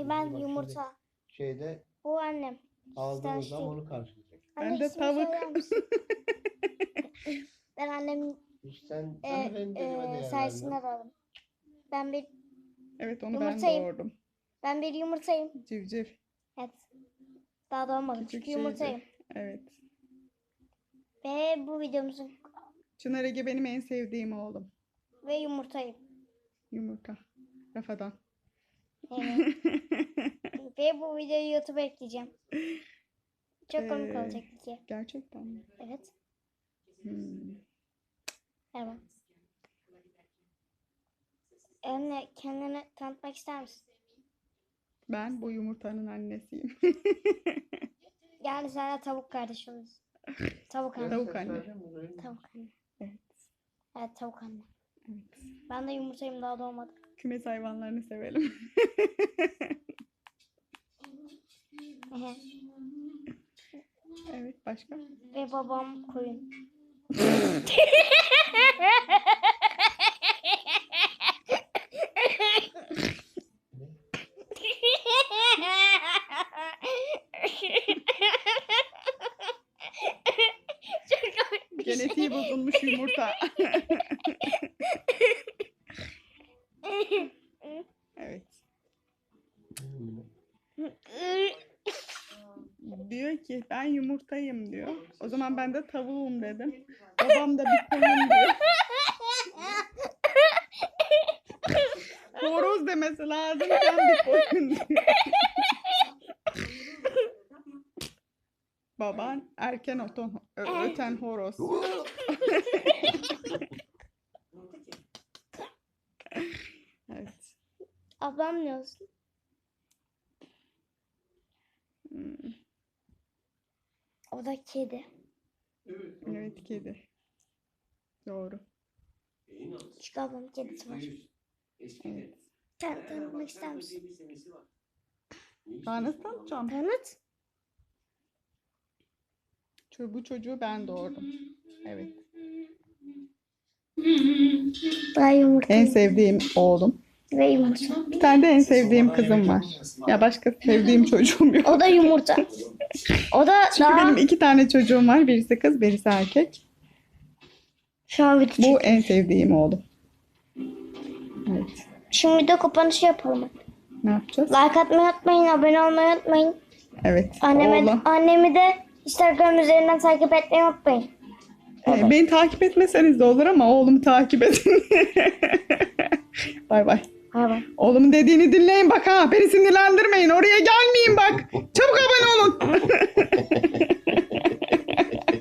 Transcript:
ben Bak yumurta. Şeyde Bu annem. aldığımız Sen zaman şey. onu karşılayacak. Anne, Ben de ismini tavuk. söyler misin? Ben annemin Sen daha rendeleme değer sayesinde vermem. doğdum. Ben bir Evet, onu ben yumurtayım. doğurdum. Ben bir yumurtayım. Civciv. Evet. Daha doğmadım. Küçük Çünkü yumurtayım. şeydi. Evet. Ve bu videomuzun Çınar Ege benim en sevdiğim oğlum. ve yumurtayım. Yumurta. Rafadan. Evet. Ve bu videoyu YouTube'a ekleyeceğim. Çok komik Ee, olacak ki. Gerçekten mi? Evet. Hmm. Evet. Anne, kendini tanıtmak ister misin? Ben bu yumurtanın annesiyim. Yani sana tavuk kardeş oluruz. Tavuk anne. Tavuk anne. Tavuk anne. Evet. Evet, tavuk anne. Evet. Ben de yumurtayım, daha doğmadım. Kümes hayvanlarını sevelim. Ehe. Evet, başka? Ve babam koyun. Çok komik bir şey. Genetiği bozulmuş yumurta. Evet. Diyor ki ben yumurtayım diyor. O zaman ben de tavuğum dedim. Babam da bir koyun diyor. Horoz demesi lazım, sen bir koyun diyor. Baban erken öten horoz. Evet. Ablam ne olsun? Hmm, O da kedi. evet, kedi. Doğru. Çünkü ablamın kedisi var. Evet. Sen tanıtmak ister misin? Daha nasıl tanıtacağım? Tanıt. Bu çocuğu ben doğurdum. Evet. Ben yumurtayım. En sevdiğim oğlum. Ve yumurta. Bir tane de en sevdiğim kızım var. Ya başka sevdiğim çocuğum yok. O da yumurta. O da Çünkü daha benim 2 tane çocuğum var. Birisi kız, birisi erkek. şu an video Bu çekiyor. en sevdiğim oğlum. Evet. Şimdi video kapanışı yapalım. Ne yapacağız? Like atmayı unutmayın, abone olmayı unutmayın. Evet. Annemi, annemi de Instagram üzerinden takip etmeyi unutmayın. Beni takip etmeseniz de olur ama oğlumu takip edin. Bay bay. Bay bay. Oğlumun dediğini dinleyin bak ha. Beni sinirlendirmeyin. Oraya